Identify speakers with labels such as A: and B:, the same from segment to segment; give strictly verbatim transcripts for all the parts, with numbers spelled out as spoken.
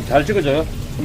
A: 잘 찍어줘요.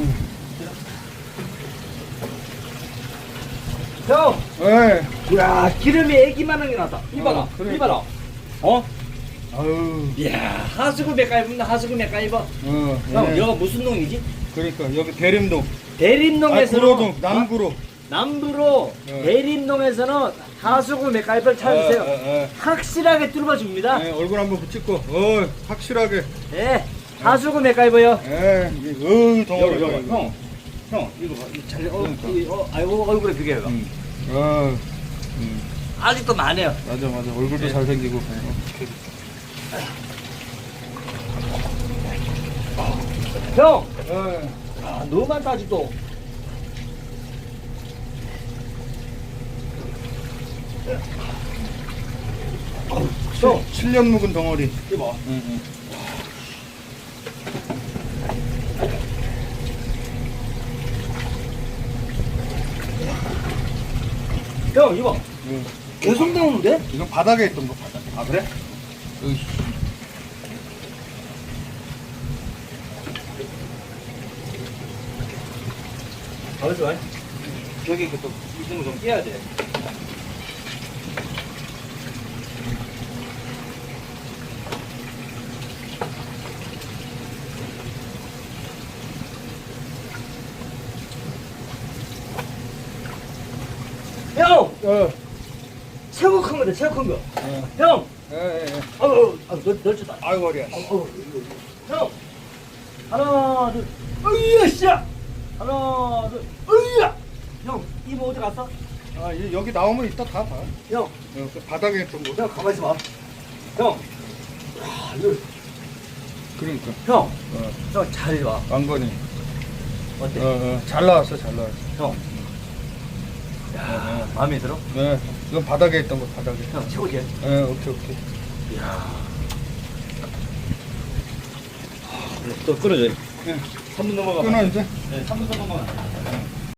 B: 형!
C: 예.
B: 이야, 기름이 애기만한 게 나왔다. 이봐라,
C: 어, 그러니까.
B: 이봐라. 어?
C: 아유.
B: 이야, 하수구 맥가이브입니다, 하수구 맥가이버.
C: 어.
B: 형,
C: 예.
B: 여기가 무슨 농이지?
C: 그러니까 여기 대림동. 아,
B: 대림동에서는
C: 구로동 남구로.
B: 어? 남부로
C: 네.
B: 대림동에서는 하수구 맥가이버를 찾으세요.
C: 예, 예, 예.
B: 확실하게 뚫어줍니다.
C: 예, 얼굴 한번 붙이고. 어, 확실하게.
B: 예, 하수구 맥가이버요.
C: 예. 이게 어우 덩어리.
B: 여기, 여기, 형. 형, 이거 봐. 이거 잘, 어,
C: 그러니까.
B: 이거, 어, 아이고, 얼굴에 비교해봐.
C: 음. 아. 음.
B: 아직도 많아요.
C: 맞아 맞아. 얼굴도 잘생기고.
B: 형!
C: 예.
B: 아, 너무 많다, 아직도. 형,
C: 칠 년 묵은 덩어리.
B: 이거 봐.
C: 응, 응.
B: 형, 이거 봐.
C: 응.
B: 계속 나오는데?
C: 이건 바닥에 있던 거 바닥.
B: 아, 그래?
C: 으이씨.
B: 가만있어 봐. 여기 그 또, 이런 거좀 깨야 돼. 형!
C: 어.
B: 최고 큰 거다, 최고 큰 거.
C: 어.
B: 형!
C: 예, 예, 예.
B: 아우, 아우, 널, 널쳤다.
C: 아유 머리야.
B: 어, 형! 하나, 둘, 으이야, 씨야! 하나, 둘, 으이야! 형, 이모 어디 갔어?
C: 아, 이- 여기 나오면 이따 다 봐.
B: 형,
C: 어, 그 바닥에 있던 거.
B: 형, 가만히 있어 봐. 형! 야, 이거,
C: 그러니까.
B: 형!
C: 어.
B: 형, 잘 봐.
C: 왕건이.
B: 어때?
C: 어, 어. 잘 나왔어, 잘 나왔어.
B: 형. 야, 마음에 들어?
C: 네. 이건 바닥에 있던 거, 바닥에.
B: 형, 최고지?
C: 예, 오케이, 오케이.
B: 이야. 또 끊어줘.
C: 예.
B: 삼 분 넘어가.
C: 끊어, 이제.
B: 네, 삼 분 넘어가.